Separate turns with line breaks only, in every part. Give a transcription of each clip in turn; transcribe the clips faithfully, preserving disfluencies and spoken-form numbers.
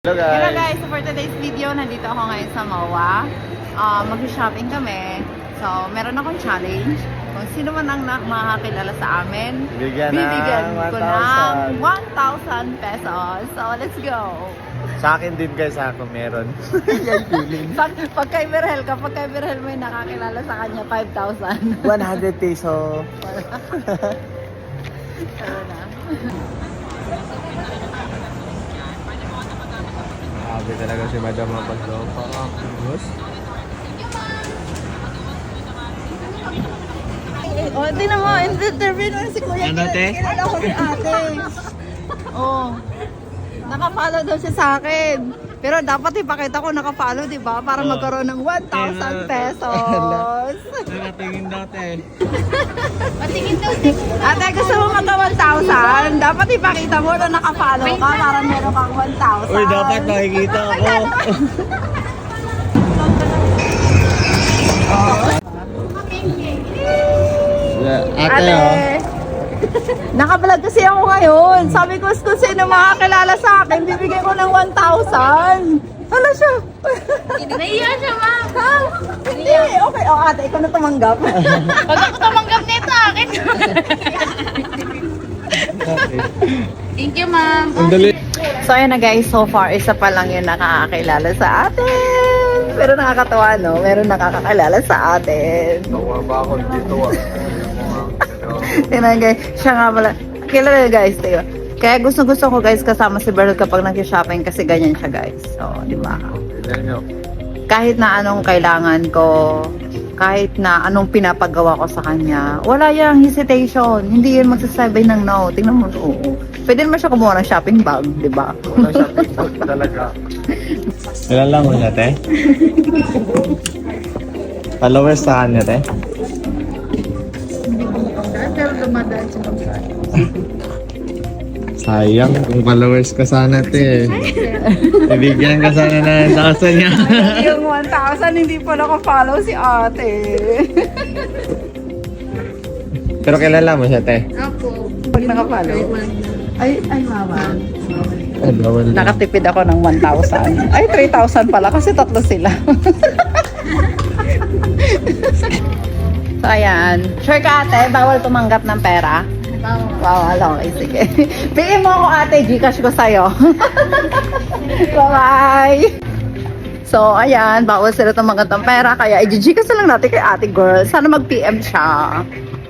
Hello guys!
Hello guys! So for today's video, nandito ako ngayon sa M O A. Uh, Mag-shopping kami. So, meron akong challenge. Kung sino man ang na- makakilala sa amin,
Bigyan
bibigyan
ng
ko
one
ng
thousand.
one thousand pesos. So, let's go!
Sa akin din guys, ako meron. Yan feeling.
Pag, pag kay Virgel, kapag kay Virgel may nakakilala sa kanya, five thousand.
one hundred peso.
Pero na.
Sabi talaga si Madam Mapagdo. Parang boss.
O, oh, di na mo, interview na si Kuya.
Ano, te?
Kilala ko si ate. Oh. Nakafollow daw siya sa akin. Pero dapat ipakita ko nakafollow, di ba? Para
Oh.
magkaroon ng one thousand pesos.
Nakatingin dati.
Patingin daw. Ate, gusto mo magka one thousand? Dapat ipakita mo na nakafollow ka para meron kang one thousand.
Uy, dapat makikita ako. Ate,
Ate,
oh.
naka-vlog kasi ako ngayon. Sabi ko, kung sino makakilala sa akin, bibigyan ko ng one thousand. Ano siya?
Naiya siya, ma'am.
Ha? Hindi. Okay. O, ate, ikaw na tumanggap.
Pag ako tumanggap nito, akin. Thank you, ma'am.
Ang dali.
So, ayun na guys. So far, isa pa lang yung nakakakilala sa atin. Pero nakakatawa, no? Meron nakakakilala sa atin.
Tawa ba ako dito ah?
Tingnan guys. Siya nga pala. Kilala guys, tayo. Kaya gusto-gusto ko guys kasama si Berl kapag nag-shopping kasi ganyan siya guys. So, di ba?
Tignan nyo.
Kahit na anong kailangan ko, kahit na anong pinapagawa ko sa kanya, wala yung hesitation. Hindi yun magsasabay ng no. Tingnan mo, oo. Pwede naman siya kumuha ng shopping bag, di ba?
Wala siya TikTok talaga. Ilan lang mo niya, te? Followers sa kanya, te?
Pero dumadaan siya ng
Sayang kung followers ka sana, te. Ibigyan ka sana na ng thousand niya.
Yung one thousand, hindi pa naka-follow si ate.
Pero kilala mo siya, te?
Ako.
Pag naka-follow. Ay, ay mama.
Ay, bawal na.
Nakatipid ako ng one thousand. Ay, three thousand pala kasi tatlo sila. So, ayan. Sure ka ate, bawal tumanggap ng pera? Bawal, okay, sige. Bigyan mo ako ate, Gcash ko sa'yo. Bye-bye! So, ayan, bawal sila tumanggap ng pera, kaya i-Gcash na lang natin kay ate girl. Sana mag-P M siya.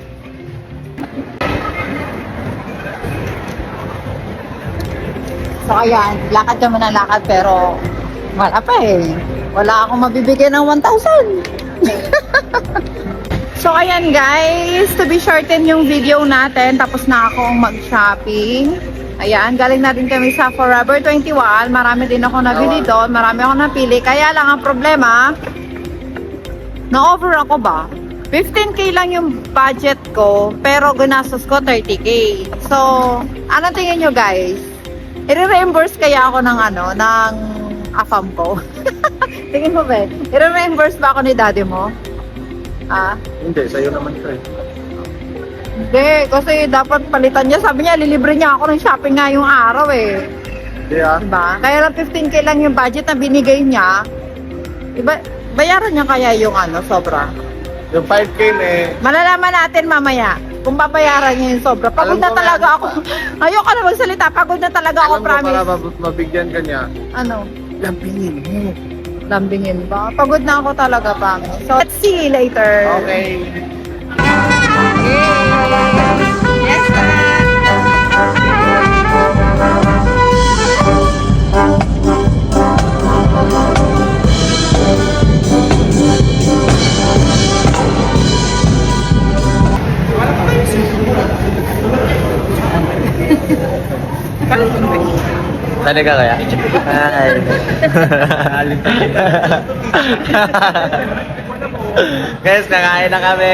So, ayan, lakad kami ng lakad, pero wala pa eh. Wala akong mabibigyan ng one thousand. So, ayan guys, to be shorten yung video natin, tapos na akong mag-shopping. Ayan, galing na din kami sa Forever twenty-one. Marami din ako nabili doon, marami ako napili. Kaya lang ang problema, na-over ako ba? fifteen K lang yung budget ko, pero ginastos ko thirty K. So, ano tingin nyo guys? I-reimburse kaya ako ng ano, ng afam ko? Tingin mo ba? I-reimburse ba ako ni daddy mo? Ah?
Hindi, sa'yo naman siya eh.
Hindi, kasi dapat palitan niya. Sabi niya, lilibre niya ako ng shopping nga yung araw eh.
Hindi ah.
Diba? Kaya lang fifteen K lang yung budget na binigay niya. Iba, bayaran niya kaya yung ano, sobra.
Yung five K na eh.
Malalaman natin mamaya kung babayaran niya yung sobra. Pagod
Alam
na
ko
talaga
nga.
ako. Ayoko na magsalita. Pagod na talaga ako,
Alam mo,
promise.
para mab- mabigyan ka niya.
Ano?
Lampingin mo.
Lambingin ba? Pagod na ako talaga, promise. So, let's see you later.
Okay.
Yes, ma'am.
Sali ka kaya? Hi. Guys, nakain na kami!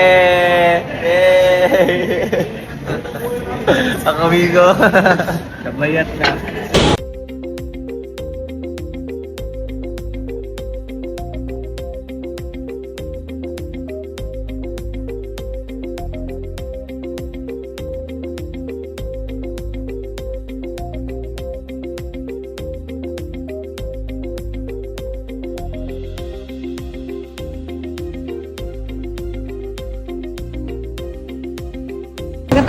Yay! Ang amigo! Nabayat na.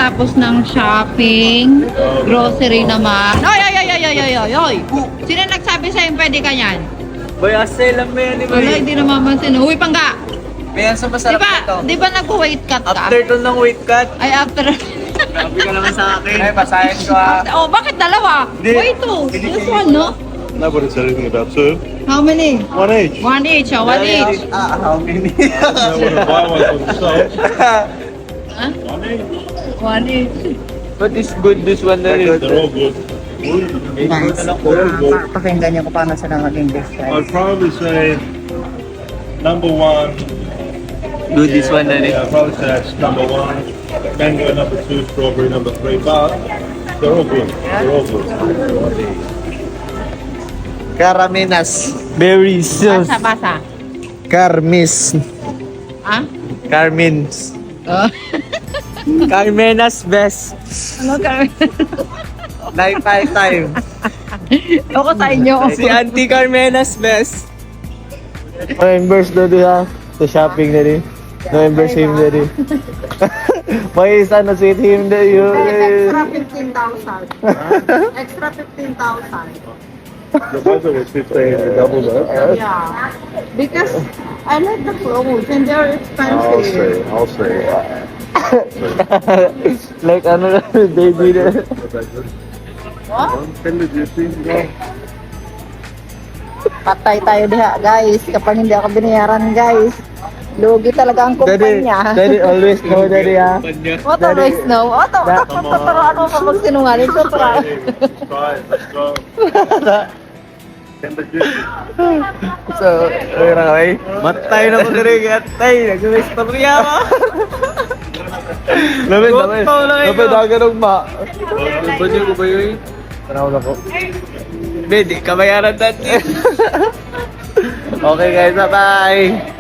Pagkatapos ng shopping, grocery naman. Oy, oy, oy, oy, oy, oy, oy, oy. Sino nagsabi sa'yo pwede ka yan?
Boy, asay lang mo yan, di ba?
Wala, hindi namamansin. Uy, pangga!
May yan sa
Di
masarap
ba,
nito.
di ba nag-weight cut ka?
After to ng weight cut,
Ay, after.
grabe ka naman sa akin. Ay, basahin ko ah.
Oh, bakit dalawa?
Hindi.
Wait, two. This one, no?
Nobody said anything about two.
How many?
One each.
One each, oh, one each.
Ah, how many?
I wouldn't buy one for themselves.
Huh?
One each.
One each.
But it's good, this one na rin.
They're all good.
Pakinggan niyo kung paano sila maging best friends.
I'd probably say number one.
Good, this one na rin.
Yeah, I'd probably say that's number one. Mango number two, strawberry number three. But they're all good. They're all good.
Carmenas.
Berries.
Basa, basa.
Carmis.
Ah?
Carmins.
Oh.
Carmenas best.
Ano ka?
Life five time.
Ako sa inyo.
Si Auntie Carmenas best.
Reimburse na din ha. Sa shopping na din. Reimburse him na din. May isa na sweet him na yun.
Extra fifteen thousand. Extra fifteen thousand.
The budget was fifteen, the double that.
Yeah. Because I like the clothes and they're
I'll
expensive.
see. I'll see.
Like ano na, baby na.
What?
Ten the juicy.
Patay tayo diha, guys. Kapag hindi ako binayaran, guys. Lugi talaga ang
Daddy,
kumpanya.
daddy always know daddy ha.
What always know? Oh, to, to, to, to, to, ano pa magsinungaling? To, to,
Let's try it. Let's go. Ten the juicy.
So, ay na kay. Matay na ko diri gatay. Nag-istorya ako. Lamin, lamin. Lamin dagan og ma.
Budget ko ba yun?
Tanaw na ko.
Hindi, di ka bayaran dati.
Okay guys, bye-bye.